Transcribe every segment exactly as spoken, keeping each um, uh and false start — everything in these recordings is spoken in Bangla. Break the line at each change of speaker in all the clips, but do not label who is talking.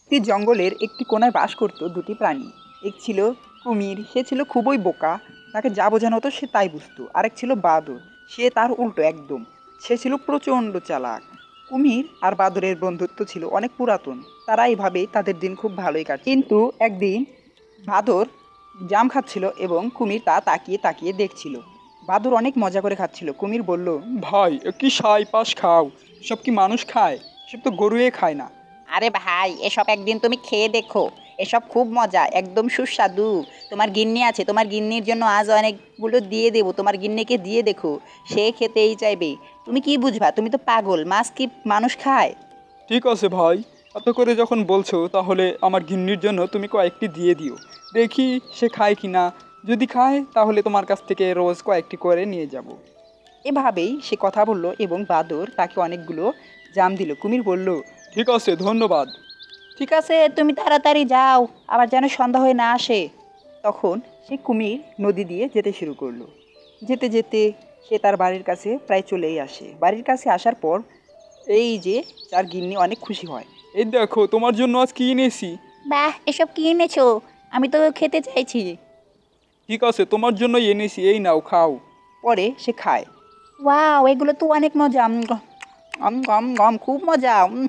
একটি জঙ্গলের একটি কোণায় বাস করত দুটি প্রাণী। এক ছিল কুমির, সে ছিল খুবই বোকা, তাকে যা বোঝানো হতো সে তাই বুঝতো। আরেক ছিল বাদর, সে তার উল্টো একদম, সে ছিল প্রচণ্ড চালাক। কুমির আর বাদরের বন্ধুত্ব ছিল অনেক পুরাতন, তারা এইভাবেই তাদের দিন খুব ভালোই কাটে। কিন্তু একদিন বাদর জাম খাচ্ছিল এবং কুমির তা তাকিয়ে তাকিয়ে দেখছিল। বাদর অনেক মজা করে খাচ্ছিল। কুমির বলল, ভাই কি সাই পাশ খাও, সব কি মানুষ খায়? সব তো গরুয়ে খায় না।
আরে ভাই, এসব একদিন তুমি খেয়ে দেখো, এসব খুব মজা, একদম সুস্বাদু। তোমার গিন্নি আছে, তোমার গিন্নির জন্য আজ অনেকগুলো দিয়ে দেবো, তোমার গিন্নিকে দিয়ে দেখো, সে খেতেই চাইবে। তুমি কি বুঝবা, তুমি তো পাগল, মাছ কি মানুষ খায়?
ঠিক আছে ভাই, এত করে যখন বলছো তাহলে আমার ঘিন্নির জন্য তুমি কয়েকটি দিয়ে দিও, দেখি সে খায় কি না। যদি খায় তাহলে তোমার কাছ থেকে রোজ কয়েকটি করে নিয়ে যাব। এভাবেই সে কথা বলল এবং বাদর তাকে অনেকগুলো জাম দিল। কুমির বলল, ঠিক আছে, ধন্যবাদ।
ঠিক আছে, তুমি তাড়াতাড়ি যাও, আবার যেন সন্ধ্যা হয়ে না আসে।
তখন সে কুমির নদী দিয়ে যেতে শুরু করলো। যেতে যেতে সে তার বাড়ির কাছে প্রায় চলেই আসে। বাড়ির কাছে আসার পর এই যে তার গিন্নি অনেক খুশি হয়। এই দেখো, তোমার জন্য আজ কি এনেছি।
বাহ, এসব কি এনেছো? আমি তো খেতে চাইছি।
ঠিক আছে, তোমার জন্যই এনেছি, এই নাও খাও। পরে সে খায়।
ওয়াও, এগুলো তো অনেক মজা। উম,
আম আম আম খুব মজা। উম,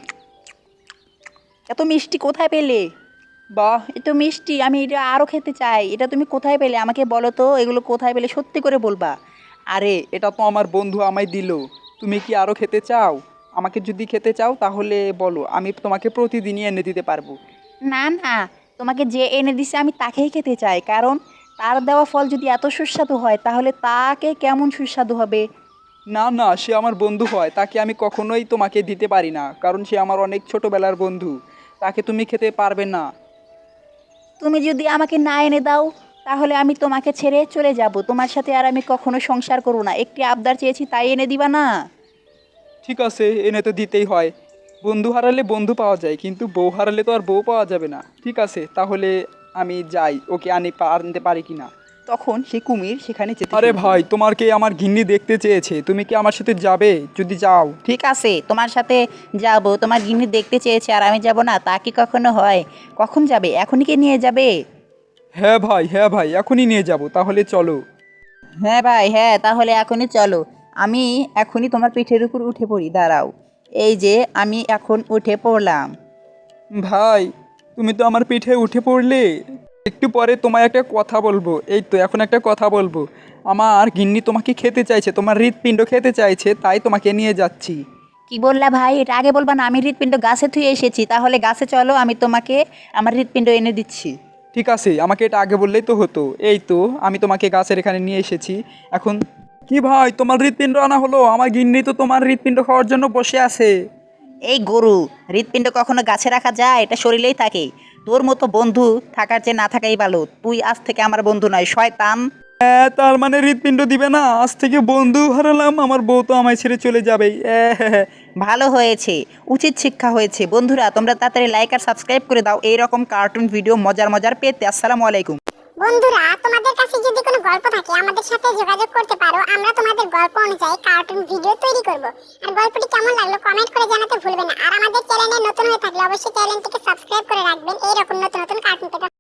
এত মিষ্টি কোথায় পেলে?
বাহ,
এত মিষ্টি, আমি এটা আরও খেতে চাই। এটা তুমি কোথায় পেলে আমাকে বলো তো, এগুলো কোথায় পেলে সত্যি করে বলবা।
আরে এটা তো আমার বন্ধু আমায় দিল। তুমি কি আরো খেতে চাও? আমাকে যদি খেতে চাও তাহলে বলো, আমি তোমাকে প্রতিদিনই এনে দিতে পারবো।
না না, তোমাকে যে এনে দিছে আমি তাকেই খেতে চাই, কারণ তার দেওয়া ফল যদি এত সুস্বাদু হয় তাহলে তাকে কেমন সুস্বাদু হবে।
না না, সে আমার বন্ধু হয়, তাকে আমি কখনোই তোমাকে দিতে পারি না, কারণ সে আমার অনেক ছোটবেলার বন্ধু। তাকে তুমি খেতে পারবে না।
তুমি যদি আমাকে না এনে দাও তাহলে আমি তোমাকে ছেড়ে চলে যাব, তোমার সাথে আর আমি কখনো সংসার করব না। একটি আবদার চেয়েছি, তাই এনে দিবা না?
ঠিক আছে, এনে তো দিতেই হয়। বন্ধু হারালে বন্ধু পাওয়া যায়, কিন্তু বউ হারালে তো আর বউ পাওয়া যাবে না। ঠিক আছে, তাহলে আমি যাই, ওকে আনি পা- আনতে পারি কি না। তখন সে কুমির সেখানে যেতে আরে শুরু করলো। ভাই, তোমার কি আমার ঘিন্নি দেখতে চেয়েছে, তুমি কি আমার সাথে যাবে? যদি যাও।
ঠিক আছে, তোমার সাথে যাব, তোমার গিন্নি দেখতে চেয়েছে আর আমি যাব না, তা কি কখনো হয়? কখন যাবে, এখনই কি নিয়ে যাবে?
হ্যাঁ ভাই, হ্যাঁ ভাই, এখনই নিয়ে যাব, তাহলে চলো।
হ্যাঁ ভাই, হ্যাঁ, তাহলে এখনই চলো। আমি এখনই তোমার পিঠের উপর উঠে পড়ি, দাঁড়াও। এই যে আমি এখন উঠে পড়লাম।
ভাই, তুমি তো আমার পিঠে উঠে পড়লে। একটু পরে তোমায় একটা কথা বলবো, এই তো এখন একটা কথা বলবো। আমার গিন্নি তোমাকে খেতে চাইছে, তোমার হৃৎপিণ্ড খেতে চাইছে, তাই তোমাকে নিয়ে যাচ্ছি।
কি বললা ভাই? এটা আগে বলবা না? আমি হৃৎপিণ্ড গাছে থুয়ে এসেছি, তাহলে গাছে চলো, আমি তোমাকে আমার হৃৎপিণ্ড এনে দিচ্ছি।
ঠিক আছে, আমাকে এটা আগে বললেই তো হতো। এই তো আমি তোমাকে গাছের এখানে নিয়ে এসেছি। এখন কি ভাই, তোমার হৃৎপিণ্ড আনা হলো? আমার গিন্নি তো তোমার হৃৎপিণ্ড খাওয়ার জন্য বসে আছে।
এই গরু, হৃৎপিণ্ড কখনো গাছে রাখা যায়? এটা শরীরেই থাকে। তোর মতো বন্ধু থাকার চেয়ে না থাকাই ভালো। তুই আজ থেকে আমার বন্ধু নয়, শয়তান।
হ্যাঁ, তার মানে হৃৎপিণ্ড দিবে না? আজ থেকে বন্ধু হারালাম, আমার বউ তো আমায় ছেড়ে চলে যাবেই। হ্যাঁ,
ভালো হয়েছে, উচিত শিক্ষা হয়েছে। বন্ধুরা, তোমরা তাড়াতাড়ি লাইক আর সাবস্ক্রাইব করে দাও এই রকম কার্টুন ভিডিও মজার মজার পেতে। আসসালামু আলাইকুম।
বন্ধুরা, তোমাদের কাছে যদি কোনো গল্প থাকে আমাদের সাথে যোগাযোগ করতে পারো, আমরা তোমাদের গল্প অনুযায়ী কার্টুন ভিডিও তৈরি করব। আর গল্পটি কেমন লাগলো কমেন্ট করে জানাতে ভুলবেন না। আর আমাদের চ্যানেলে নতুন হয়ে থাকলে অবশ্যই চ্যানেলটিকে সাবস্ক্রাইব করে রাখবেন এই রকম নতুন নতুন কার্টুন পেতে।